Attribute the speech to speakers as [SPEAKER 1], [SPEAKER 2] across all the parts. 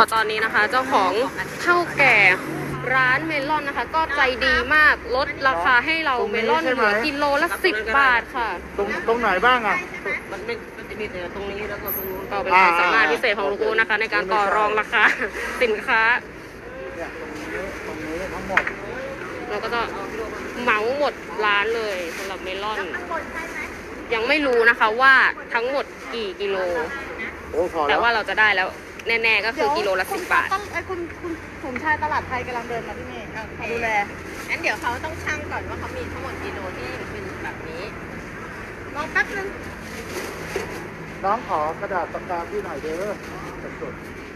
[SPEAKER 1] ตอนนี้นะคะเจ้าของเท่าแก่ร้านเมลอนนะคะก็ใจดีมากลดราคาให้เราเมลอนเหลือกิโลละ10 บาทค่ะ
[SPEAKER 2] ตรงไหนบ้างอ่ะ
[SPEAKER 3] มันไม่จะมีแต่ตรงนี้แล้วก็ตรงนู้น
[SPEAKER 1] ก็เป็นความสามารถพิเศษของลุงอูนะคะในการต่อรองราคาสินค้า
[SPEAKER 2] เนี่ยตรงนี้ทั้งหมด
[SPEAKER 1] เราก็จะเหมาหมดร้านเลยสำหรับเมลอนยังไม่รู้นะคะว่าทั้งหมดกี่กิโลแต่ว่าเราจะได้แล้วแน่ๆก็คือกิโลละ10 บาท
[SPEAKER 4] คุณสมชายตลาดไทยกำลังเดินมาที่นี่ดูแล
[SPEAKER 5] งั้นเดี๋ยวเขาต้องชั่งก่อนว่าเขามีทั้งหมดกิโลที่เป็นแบบนี้
[SPEAKER 4] รอแป๊บนึง
[SPEAKER 2] น้องขอกระดาษปากกาที่หน่อยเด้อ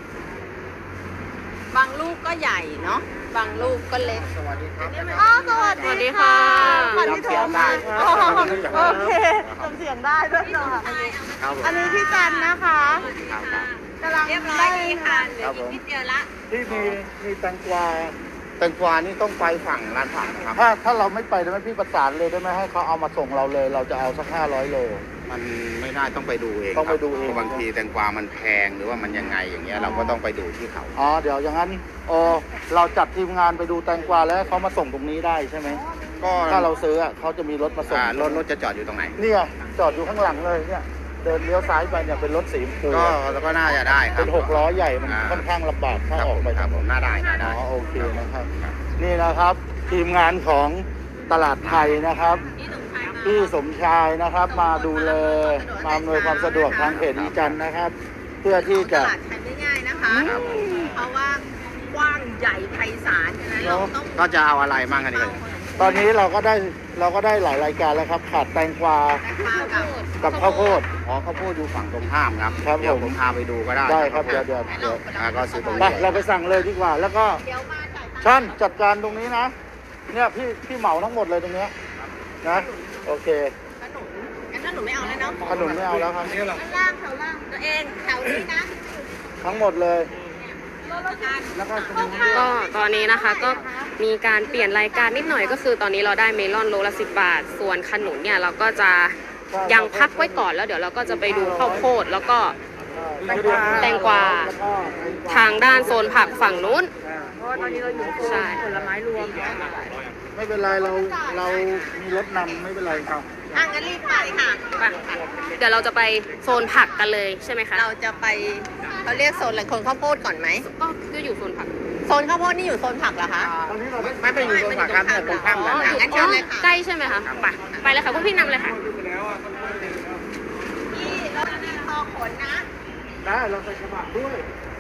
[SPEAKER 5] บางลูกก็ใหญ่เนาะบางลูกก็เล็ก
[SPEAKER 2] สวัสดีครับ
[SPEAKER 4] สวัสดีค่ะ
[SPEAKER 2] จำเสียงได้
[SPEAKER 4] โอเคจำเสียงได้ด้วยเนาะอันนี้พี่จันนะคะกำลัง
[SPEAKER 5] เรียบร้อยดีค่ะเหลืออีกนิดเดียวละ
[SPEAKER 2] ที่มีแตงกวานี่ต้องไปฝั่งร้านผักนะครับถ้าเราไม่ไปได้ไหมพี่ประสานเลยได้ไหมให้เขาเอามาส่งเราเลยเราจะเอาสัก500 โล
[SPEAKER 6] มันไม่ได้ต้องไปดูเอง
[SPEAKER 2] ต้องไปดูเอง
[SPEAKER 6] บางทีแตงกวามันแพงหรือว่ามันยังไงอย่างเงี้ยเราก็ต้องไปดูที่เขา
[SPEAKER 2] เดี๋ยวอย่างนั้นเราจัดทีมงานไปดูแตงกวาแล้วเขามาส่งตรงนี้ได้ใช่ไหมก็ถ้าเราซื้อเขาจะมีรถมาส่ง
[SPEAKER 6] รถจะจอดอยู่ตรงไหน
[SPEAKER 2] เนี่ยจอดอยู่ข้างหลังเลยเนี่ยเดินเลี้ยวซ้ายไปเนี่ยเป็นรถสีชมพู
[SPEAKER 6] ก็น่าจะได้ครับ
[SPEAKER 2] เป็น6 ล้อใหญ่มันค่อนข้างลำบากถ้าออกไป
[SPEAKER 6] ครับผมน่าได้
[SPEAKER 2] โอเคนะครับนี่นะครับทีมงานของตลาดไทยนะครับพี่สมชายนะครับมาดูแลมาอำนวยความสะดวกทางเพจนี้จันนะครับเพื่อที่จะ
[SPEAKER 5] ตลาดไทยไม่ง่ายนะคะเพราะว่ากว้างใหญ่ไพศาลฉะนั้นเราต้อง
[SPEAKER 6] ก็จะเอาอะไรมั่งกันดี
[SPEAKER 2] ตอนนี้เราก็ได้หลายรายการแล้วครับขาดแตงกวากับข้าวโพด
[SPEAKER 6] ข้าวโพดอยู่ฝั่งตรงข้ามครับเดี๋ยวผมพาไปดูก็ได้
[SPEAKER 2] ได้ครับเดี๋ยว
[SPEAKER 6] ก็ซื้อตรงนี้
[SPEAKER 2] เราไปสั่งเลยดีกว่าแล้วก็ช่างจัดการตรงนี้นะเนี่ยพี่เหมาทั้งหมดเลยตรงนี้นะโอเค
[SPEAKER 5] ขนุนงั้นขนุนไม่เอาแล้วเนาะ
[SPEAKER 2] ขนุนไม่เอาแล้วครับ
[SPEAKER 5] ล่างแถวล่างตัวเองแถวนี้นะ
[SPEAKER 2] ทั้งหมดเลย
[SPEAKER 1] ก็ตอนนี้นะคะก็มีการเปลี่ยนรายการนิดหน่อยก็คือตอนนี้เราได้เมลอนโลละ10 บาทส่วนขนุนเนี่ยเราก็จะยังพักไว้ก่อนแล้วเดี๋ยวเราก็จะไปดูข้าวโพดแล้วก็แตงกวาทางด้านโซนผักฝั่งนู้น
[SPEAKER 4] ตอนนี้เราอยู่ใช่ผลไม้รวม
[SPEAKER 2] ไม่เป็นไรเรามีรถนำไม่เป็นไรครับ
[SPEAKER 5] งั้นรีบไปค่ะ
[SPEAKER 1] เดี๋ยวเราจะไปโซนผักกันเลยใช่ไหมคะ
[SPEAKER 5] เราจะไปเขาเรียกโซนอะไรคนข้าวโพดก่อนไหม
[SPEAKER 1] ก็อยู่โซนผัก
[SPEAKER 5] โซนข้าวโพดนี่อยู่โซนผักเหรอคะ
[SPEAKER 6] ไม่ไปอยู่โซนผักครับแต่ตรงข้ามกัน
[SPEAKER 5] งั้นเชิญเลยค่ะ
[SPEAKER 1] ใกล้ใช่ไหมคะไปเลยค่ะพวกพี่นำเลยค่ะ
[SPEAKER 5] พี่รถมีพอขนนะ
[SPEAKER 2] ได้เราใส่กระบะด้วย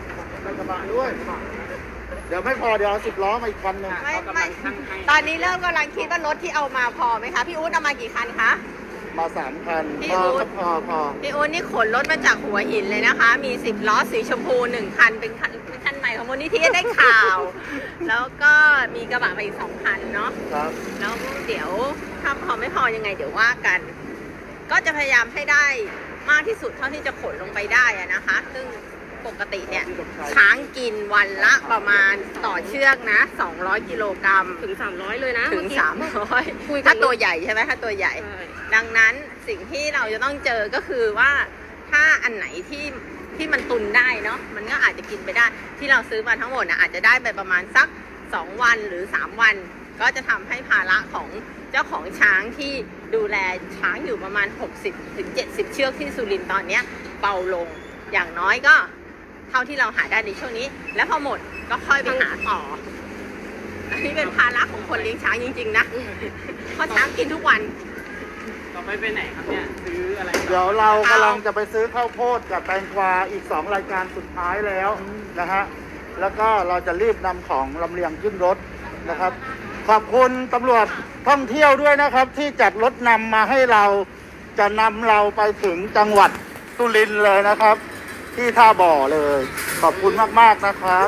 [SPEAKER 2] เดี๋ยวไม่พอเดี๋ยวเอา10 ล้อมาอีกคันนึง
[SPEAKER 5] ไม่ตอนนี้เริ่มกำลังคิดว่ารถที่เอามาพอไหมคะพี่อุ๊ดเอามากี่คันคะ
[SPEAKER 2] มา3 คัน
[SPEAKER 5] พอพี่อุ๊ดนี่ขนรถมาจากหัวหินเลยนะคะมี10 ล้อสีชมพู1 คันเป็นคันใหม่ของมูลนิธิได้ข่าวแล้วก็มีกระบะไปอีก2 คันเนาะแล้วเดี๋ยวถ้าพอไม่พอยังไงเดี๋ยวว่ากันก็จะพยายามให้ได้มากที่สุดเท่าที่จะขนลงไปได้นะคะซึ่งปกติเนี่ยช้างกินวันละประมาณต่อเชือกนะ200 กิโลกรัม
[SPEAKER 1] ถึง300เลยนะ
[SPEAKER 5] ถึง300ถ้าตัวใหญ่ใช่ไหมถ้าตัวใหญ่ดังนั้นสิ่งที่เราจะต้องเจอก็คือว่าถ้าอันไหนที่มันตุนได้เนาะมันก็อาจจะกินไปได้ที่เราซื้อมาทั้งหมดนะอาจจะได้ไปประมาณสัก2 วันหรือ3 วันก็จะทำให้ภาระของเจ้าของช้างที่ดูแลช้างอยู่ประมาณ60 ถึง 70 เชือกที่สุรินทร์ตอนนี้เบาลงอย่างน้อยก็เท่าที่เราหาได้ในช่วงนี้แล้วพอหมดก็ค่อยไปหาต่ออันนี้เป็นภาระของคนเลี้ยงช้างจริงๆนะเพราะช้างกินทุกวัน
[SPEAKER 3] ต่อไปไหนครับเนี่ยซื้ออะไร
[SPEAKER 2] เดี๋ยวเรากำลังจะไปซื้อข้าวโพดกับแตงกวาอีก2 รายการสุดท้ายแล้วนะฮะแล้วก็เราจะรีบนำของลำเลียงขึ้นรถนะครับขอบคุณตำรวจท่องเที่ยวด้วยนะครับที่จัดรถนำมาให้เราจะนำเราไปถึงจังหวัดสุรินทร์เลยนะครับที่ท่าบ่อเลยขอบคุณมากๆนะครับ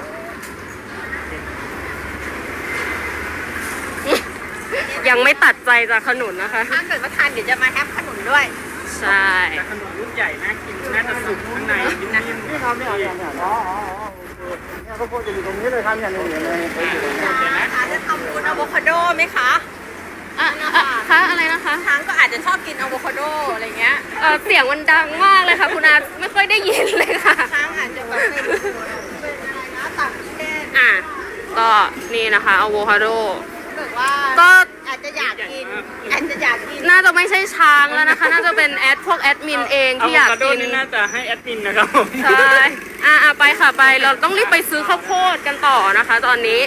[SPEAKER 1] ยังไม่ตัดใจจากขนุนนะคะ
[SPEAKER 5] ถ้าเกิดว่าทานเดี๋ยวจะมาแฮปขนุนด้วย
[SPEAKER 1] ใช่
[SPEAKER 3] แต่ขนุนลูกใหญ่นะกินน่าจะสุกข้างใน
[SPEAKER 2] นี่ครับเนี่ยข้าวโพดจะอยู่ตรงนี้เลยครับเนี่ยนี่เลย
[SPEAKER 5] จะทำบุญอะโวคาโดไหมคะ
[SPEAKER 1] คะอะไรนะคะ
[SPEAKER 5] ช้างก็อาจจะชอบกินอะโวคาโดอะไรเงี้ย
[SPEAKER 1] เสียงมันดังมากเลยค่ะคุณอาไม่ค่อยได้ยินเลยค่ะ
[SPEAKER 5] ช้างอาจจะแบบ
[SPEAKER 1] อ่ะก็นี่นะคะอะโวคาโด
[SPEAKER 5] บอกว่า
[SPEAKER 1] ก็
[SPEAKER 5] อาจจะอยากกินอาจจะอยากกิน
[SPEAKER 1] น่าจะไม่ใช่ช้างแล้วนะคะ น่าจะเป็นพวกแอดมินเองที่อยาก
[SPEAKER 3] อะโวคาโด
[SPEAKER 1] กิน
[SPEAKER 3] นี่น่าจะให้แอดมินนะครับผม
[SPEAKER 1] ใช่ไปค่ะไปเราต้องรีบไปซื้อข้าวโพดกันต่อนะคะ ตอนนี้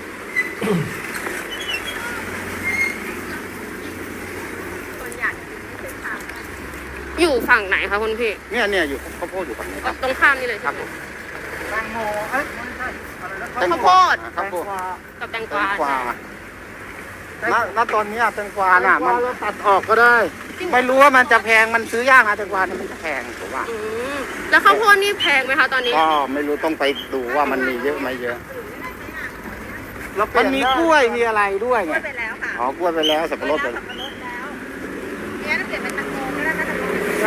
[SPEAKER 5] คนอยากกินไม่ใช่ทาง
[SPEAKER 1] อยู่ฝั่งไหนคะคุณพี่
[SPEAKER 6] เนี่ยอยู่ข้าวโพดอยู่ฝั่งนี้ครับ
[SPEAKER 1] ตรงข้ามนี่เลย
[SPEAKER 6] ครั
[SPEAKER 1] ใช่
[SPEAKER 6] บ
[SPEAKER 1] ไหม
[SPEAKER 6] ผม
[SPEAKER 2] แตงโมเอ้ยไม่ใช่อะไรนะ
[SPEAKER 6] แตง
[SPEAKER 1] ข้าว
[SPEAKER 6] ก
[SPEAKER 1] โพ
[SPEAKER 6] วา
[SPEAKER 1] ด
[SPEAKER 6] ข้าวโพด
[SPEAKER 1] กับแตง
[SPEAKER 6] แต
[SPEAKER 1] กวาง
[SPEAKER 6] กวา
[SPEAKER 2] ณตอนนี้แตงกวาน่ะมันเราตัดออกก็ได้
[SPEAKER 6] ไม่รู้ว่ามันจะแพงมันซื้อยากนะแตงกวาเนี่ยมันจะแพงผมว่า
[SPEAKER 1] อืมแล้วข้าวโพดนี่แพงไหมคะตอนนี้
[SPEAKER 6] ก็ไม่รู้ต้องไปดูว่ามันมีเยอะไหมเยอะ
[SPEAKER 2] เราเป
[SPEAKER 6] มั
[SPEAKER 2] ลี่
[SPEAKER 6] น
[SPEAKER 2] ย
[SPEAKER 6] มี
[SPEAKER 2] ได้
[SPEAKER 6] กล้วยมีอะไรด้วยไง
[SPEAKER 5] ไปแล้วค่ะ
[SPEAKER 6] อ๋อกล้วยไปแล้วสับปะรดไป
[SPEAKER 5] สับปะรดแล้วเนี่ยถ้าเปลี่ยนเป็นแตงโมก็ได้นะ
[SPEAKER 2] ใช่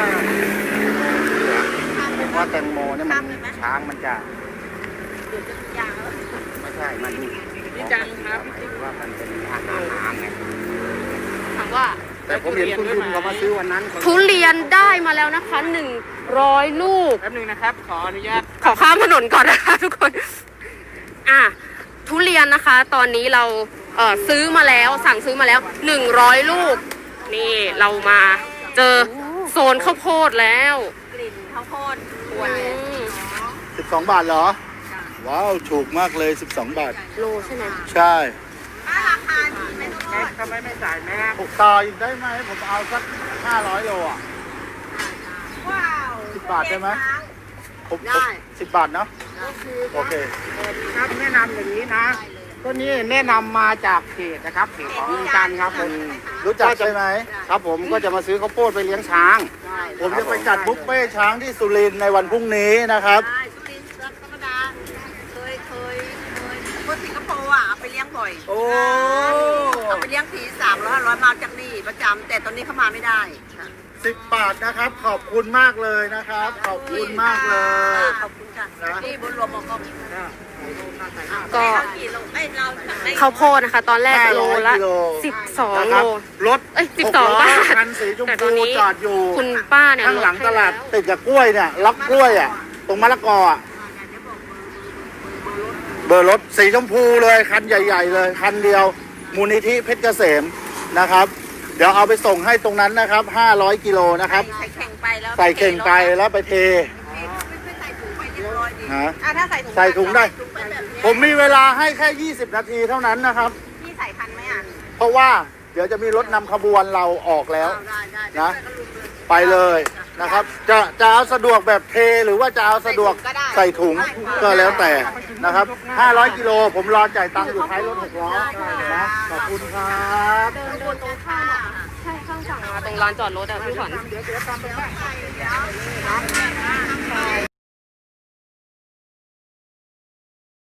[SPEAKER 6] ผมว่าแตงโมเนี่ยมันช้างมันจะ
[SPEAKER 5] เดี๋ยวจะยาว
[SPEAKER 6] ไม่ใช่มัน
[SPEAKER 3] พี่จันครับ
[SPEAKER 6] หมายถึงว่ามันเป็นอาหารน้ำไง
[SPEAKER 1] ถามว่า
[SPEAKER 6] แต่ผมเห็นคุณลุงเขามาซื้อวันนั้น
[SPEAKER 1] ทุเรียนได้มาแล้วนะคะ100 ลูก
[SPEAKER 3] แป๊บนึงนะครับ ขออนุญาต
[SPEAKER 1] ขอข้ามถนนก่อนนะคะทุกคน ทุเรียนนะคะ ตอนนี้เราซื้อมาแล้วสั่งซื้อมาแล้ว100 ลูก นี่เรามาเจอโซนข้าวโพดแล้ว
[SPEAKER 5] กลิ่นข้าวโพดควนเลย
[SPEAKER 2] 12 บาทเหรอ ว้าว ถูกมากเลย 12 บาท
[SPEAKER 1] โลใช่ไหม
[SPEAKER 2] ใช่
[SPEAKER 5] ป้าราคาดีไหมข้าวโพด
[SPEAKER 3] ทำไมไม่จ่ายแม่
[SPEAKER 2] ถูกต่ออีกได้ไหม ผมเอาสัก 500 โลอ่ะ
[SPEAKER 5] ว้าว
[SPEAKER 2] 10 บาทได้ไหม ผม
[SPEAKER 5] ได้
[SPEAKER 2] 10 บาทเนาะ โอเค
[SPEAKER 6] ครับแนะนำอย่างนี้นะตัวนี้แนะนำมาจากเพจนะครับเพจของลุงจันทร์ครับผม
[SPEAKER 2] รู้จักใช่ไหม
[SPEAKER 6] ครับผมก็จะมาซื้อข้าวโพดไปเลี้ยงช้าง
[SPEAKER 2] ผมจะไปจัดบุฟเฟ่ช้างที่สุรินทร์ในวันพรุ่งนี้นะครับ
[SPEAKER 5] ได้สุรินทร์ธรรมดาเคยคนสิงคโปร์อ่ะเอาไปเลี้ยงบ่อย
[SPEAKER 2] โอ้
[SPEAKER 5] เอาไปเลี้ยงผี300-500มาจากนี่ประจำแต่ตอนนี้เขามาไม่ได้ค่ะ
[SPEAKER 2] 10 บาทนะครับ ขอบคุณมากเลยนะครับ ขอบคุณมากเลย
[SPEAKER 5] ขอบคุณค่ะ
[SPEAKER 2] นะ
[SPEAKER 5] นี่บุญรวมบอกก็
[SPEAKER 1] ก็
[SPEAKER 5] เรากี่โลไม่เราไม่
[SPEAKER 1] ข้าวโพดนะคะ ตอนแรกโลละ
[SPEAKER 2] 500กิโล
[SPEAKER 1] 12
[SPEAKER 2] นะ
[SPEAKER 1] โล
[SPEAKER 2] ครับรถ
[SPEAKER 1] เอ้ย
[SPEAKER 2] หก
[SPEAKER 1] 12
[SPEAKER 2] ล้อบ
[SPEAKER 1] าท
[SPEAKER 2] คันสีชม
[SPEAKER 1] แต่ตอ
[SPEAKER 2] พู
[SPEAKER 1] นนี้
[SPEAKER 2] จอดอยู่
[SPEAKER 1] คุณป้าเนี่ย
[SPEAKER 2] ข้างหลัง
[SPEAKER 1] ดให้
[SPEAKER 2] ตลาด
[SPEAKER 1] แว
[SPEAKER 2] ติดกับกล้วยเนี่ยล็อกกล้วยอ่ะตรงมะละกออ่ะเบอร์รถสีชมพูเลยคันใหญ่ ๆ เลยคันเดียวมูลนิธิเพชรเกษมนะครับ เดี๋ยวเอาไปส่งให้ตรงนั้นนะครับ500 กิโลนะครับ
[SPEAKER 5] ใส่เข่งไปแล้ว
[SPEAKER 2] ใส่เข่งไปแล้วไปเท
[SPEAKER 5] ไม่ใส่ถุงไปเรียบร้อยดี
[SPEAKER 2] ฮะ
[SPEAKER 5] ถ้าใส่ถุง
[SPEAKER 2] ใส่ถุงได้
[SPEAKER 5] ถุงไปแบบนี้
[SPEAKER 2] ผมมีเวลาให้แค่ 20 นาทีเท่านั้นนะครับ
[SPEAKER 5] พี่ใส่ทันไหมอ่ะ
[SPEAKER 2] เพราะว่าเดี๋ยวจะมีรถนำขบวนเราออกแล้ว
[SPEAKER 5] ได้
[SPEAKER 2] นะ ไปเลยนะครับ จะเอาสะดวกแบบเทหรือว่าจะเอาสะดวกใส่ถุงก็แล้วแต่นะครับ500 กิโลผมรอจ่ายตังค์อยู่ท้ายรถ6 ล้อนะขอบคุณครับ
[SPEAKER 1] เดินตรงข้ามอ่ะใช่ข้างฝั่งมาตรงลานจอดรถอ่ะพี่ขวัญ
[SPEAKER 5] ใช่